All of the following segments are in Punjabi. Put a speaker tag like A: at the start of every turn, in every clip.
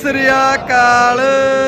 A: ਸ੍ਰੀ ਅਕਾਲ।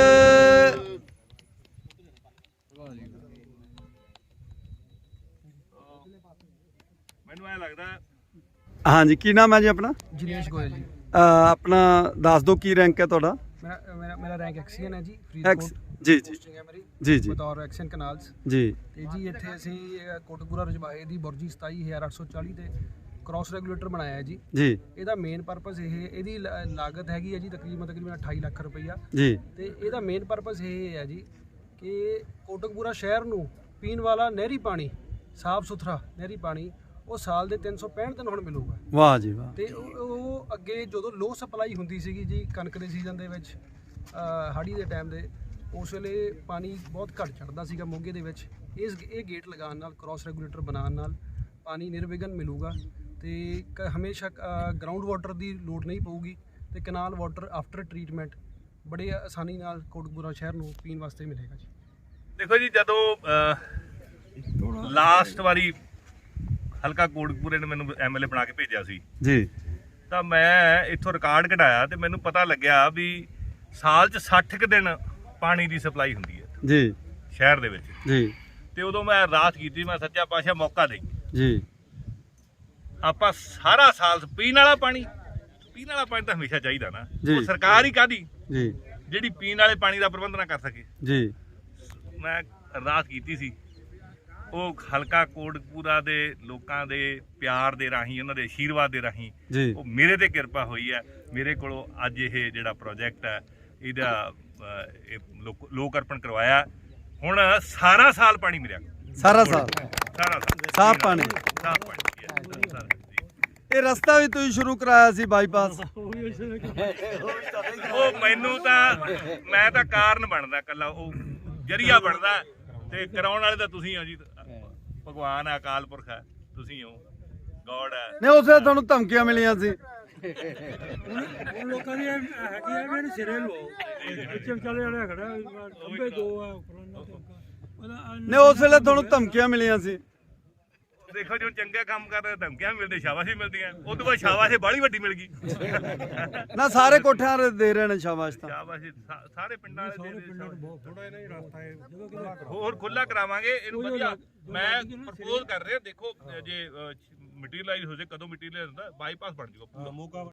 B: ਮੈਨੂੰ ਐ ਲੱਗਦਾ
A: ਹਾਂਜੀ, ਕੀ ਨਾਮ ਹੈ ਜੀ ਆਪਣਾ?
C: जिनेश गोयल जी।
A: ਆਪਣਾ ਦੱਸ ਦਿਓ ਕੀ ਰੈਂਕ ਹੈ ਤੁਹਾਡਾ?
C: मेरा रैंक एक्सीएन है जी।
A: ਐਕਸ ਜੀ ਜੀ
C: पोस्टिंग है मेरी
A: ਜੀ ਜੀ
C: बतौर एक्सीएन कनाल्स
A: ਜੀ
C: ਤੇ ਜੀ ਇੱਥੇ ਅਸੀਂ ਕੋਟਕਪੂਰਾ ਰਜਬਾਹੇ ਦੀ ਬੁਰਜੀ 27840 ਤੇ ਕ੍ਰਾਸ ਰੈਗੂਲੇਟਰ ਬਣਾਇਆ ਹੈ ਜੀ।
A: ਜੀ
C: ਇਹਦਾ ਮੇਨ ਪਰਪਸ ਇਹਦੀ ਲਾਗਤ ਹੈਗੀ ਹੈ ਜੀ ਤਕਰੀਬਨ 28 ਲੱਖ ਰੁਪਈਆ।
A: ਜੀ
C: ਤੇ ਇਹਦਾ ਮੇਨ ਪਰਪਸ ਇਹ ਹੈ ਜੀ ਕਿ ਕੋਟਕਪੂਰਾ ਸ਼ਹਿਰ ਨੂੰ ਪੀਣ ਵਾਲਾ ਨਹਿਰੀ ਪਾਣੀ, ਸਾਫ਼ ਸੁਥਰਾ ਨਹਿਰੀ ਪਾਣੀ ਉਹ ਸਾਲ ਦੇ 365 ਦਿਨ ਹੁਣ ਮਿਲੂਗਾ।
A: ਵਾਹ ਜੀ ਵਾਹ।
C: ਤੇ ਉਹ ਅੱਗੇ ਜਦੋਂ ਲੋ ਸਪਲਾਈ ਹੁੰਦੀ ਸੀਗੀ ਜੀ ਕਣਕ ਦੇ ਸੀਜ਼ਨ ਦੇ ਵਿੱਚ, ਹਾੜੀ ਦੇ ਟਾਈਮ ਦੇ, ਉਸ ਵੇਲੇ ਪਾਣੀ ਬਹੁਤ ਘੱਟ ਚੜਦਾ ਸੀਗਾ ਮੋਗੇ ਦੇ ਵਿੱਚ। ਇਹ ਗੇਟ ਲਗਾਉਣ ਨਾਲ, ਕ੍ਰਾਸ ਰੈਗੂਲੇਟਰ ਬਣਾਉਣ ਨਾਲ ਪਾਣੀ ਨਿਰਵਿਘਨ ਮਿਲੂਗਾ ਤੇ ਹਮੇਸ਼ਾ ਗਰਾਊਂਡ ਵਾਟਰ ਦੀ ਲੋੜ ਨਹੀਂ ਪਊਗੀ ਤੇ ਕਨਾਲ ਵਾਟਰ ਆਫਟਰ ਟਰੀਟਮੈਂਟ ਬੜੇ ਆਸਾਨੀ ਨਾਲ ਕੋਟਕਪੂਰਾ ਸ਼ਹਿਰ ਨੂੰ ਪੀਣ ਵਾਸਤੇ ਮਿਲੇਗਾ ਜੀ।
B: ਦੇਖੋ ਜੀ, ਜਦੋਂ ਲਾਸਟ ਵਾਰੀ ਹਲਕਾ ਕੋਟਕਪੂਰੇ ਨੇ ਮੈਨੂੰ ਐਮਐਲਏ ਬਣਾ ਕੇ ਭੇਜਿਆ ਸੀ
A: ਜੀ
B: ਤਾਂ ਮੈਂ ਇੱਥੋਂ ਰਿਕਾਰਡ ਕਢਾਇਆ ਤੇ ਮੈਨੂੰ ਪਤਾ ਲੱਗਿਆ ਵੀ ਸਾਲ 'ਚ 60 ਕੁ ਦਿਨ ਪਾਣੀ ਦੀ ਸਪਲਾਈ ਹੁੰਦੀ ਹੈ
A: ਜੀ
B: ਸ਼ਹਿਰ ਦੇ ਵਿੱਚ।
A: ਜੀ
B: ਤੇ ਉਦੋਂ ਮੈਂ ਅਰਦਾਸ ਕੀਤੀ, ਮੈਂ ਸੱਚਾ ਪਾਤਸ਼ਾਹ ਮੌਕਾ ਦੇ,
A: ਜੀ
B: ਆਪਾਂ ਸਾਰਾ ਸਾਲ ਪੀਣ ਵਾਲਾ ਪਾਣੀ ਤਾਂ ਹਮੇਸ਼ਾ ਚਾਹੀਦਾ ਨਾ।
A: ਜੀ।
B: ਉਹ ਸਰਕਾਰ ਹੀ ਕਾਹਦੀ
A: ਜੀ
B: ਜਿਹੜੀ ਪੀਣ ਵਾਲੇ ਪਾਣੀ ਦਾ ਪ੍ਰਬੰਧ ਨਾ ਕਰ ਸਕੇ।
A: ਜੀ
B: ਮੈਂ ਅਰਦਾਸ ਕੀਤੀ ਸੀ, ਉਹ ਹਲਕਾ ਕੋਟਕਪੂਰਾ ਦੇ ਲੋਕਾਂ ਦੇ ਪਿਆਰ ਦੇ ਰਾਹੀਂ, ਉਹਨਾਂ ਦੇ ਆਸ਼ੀਰਵਾਦ ਦੇ ਰਾਹੀਂ
A: ਜੀ
B: ਉਹ ਮੇਰੇ ਤੇ ਕਿਰਪਾ ਹੋਈ ਹੈ। ਮੇਰੇ ਕੋਲੋਂ ਅੱਜ ਇਹ ਜਿਹੜਾ ਪ੍ਰੋਜੈਕਟ ਹੈ ਇਹਦਾ ਲੋਕ ਅਰਪਣ ਕਰਵਾਇਆ। ਹੁਣ ਸਾਰਾ ਸਾਲ ਪਾਣੀ ਮਿਲਿਆ,
A: ਸਾਰਾ ਸਾਲ
B: ਸਾਰਾ ਸਾਲ
A: ਸਾਫ਼ ਪਾਣੀ।
B: ਸਾਫ਼ ਪਾਣੀ ਹੈ।
A: ਇਹ ਰਸਤਾ ਵੀ ਤੁਸੀਂ ਸ਼ੁਰੂ ਕਰਾਇਆ ਸੀ ਬਾਈਪਾਸ।
B: ਉਹ ਮੈਨੂੰ ਤਾਂ, ਮੈਂ ਤਾਂ ਕਾਰਨ ਬਣਦਾ, ਕੱਲਾ ਉਹ ਜਰੀਆ ਬਣਦਾ ਤੇ ਕਰਾਉਣ ਵਾਲੇ ਤਾਂ ਤੁਸੀਂ ਹੋ ਜੀ। ਭਗਵਾਨ ਹੈ, ਅਕਾਲ ਪੁਰਖ ਹੈ, ਤੁਸੀਂ ਹੋ, ਗੋਡ ਹੈ।
A: ਨਹੀਂ, ਉਸੇ ਤੁਹਾਨੂੰ ਧਮਕੀਆਂ ਮਿਲੀਆਂ ਸੀ।
D: ਲੋਕਾਂ ਦੀ ਹੈਗੀ ਆ ਵੀ ਸਿਰੇ ਲੋ ਪਿੱਛੇ ਵਿਚਾਲੇ ਵਾਲਾ ਖੜਾ ਖੰਭੇ ਦੋ ਆ
A: ਨਹੀਂ, ਉਸ ਵੇਲੇ ਤੁਹਾਨੂੰ ਧਮਕੀਆਂ ਮਿਲੀਆਂ ਸੀ।
B: ਦੇਖੋ ਜੋ ਚੰਗਾ ਕੰਮ ਕਰਦੇ ਧਮਕੀਆਂ ਵੀ ਮਿਲਦੇ, ਸ਼ਾਬਾਸ਼ ਵੀ ਮਿਲਦੀਆਂ। ਉਹ ਤੋਂ ਬਾਅਦ ਸ਼ਾਬਾਸ਼ ਬਾਹਲੀ ਵੱਡੀ ਮਿਲ ਗਈ।
A: ਨਾ ਸਾਰੇ ਕੋਠਿਆਂ ਦੇ ਦੇ ਰਹੇ ਨੇ ਸ਼ਾਬਾਸ਼ ਤਾਂ।
B: ਸ਼ਾਬਾਸ਼ ਸਾਰੇ ਪਿੰਡਾਂ ਵਾਲੇ ਦੇ
D: ਪਿੰਡਾਂ ਨੂੰ ਬਹੁਤ ਥੋੜਾ ਇਹਨਾਂ ਹੀ ਰਸਤਾ ਹੈ ਜਦੋਂ ਕਿ
B: ਹੋਰ ਖੁੱਲਾ ਕਰਾਵਾਂਗੇ ਇਹਨੂੰ ਵਧੀਆ। ਮੈਂ ਪ੍ਰਪੋਜ਼ ਕਰ ਰਿਹਾ, ਦੇਖੋ ਜੇ ਮਟੀਰੀਅਲਾਈਜ਼ ਹੋ ਜਾਏ, ਕਦੋਂ ਮਟੀਰੀਅਲ ਹੁੰਦਾ ਬਾਈਪਾਸ ਬਣ ਜਾਊਗਾ ਪੂਰਾ।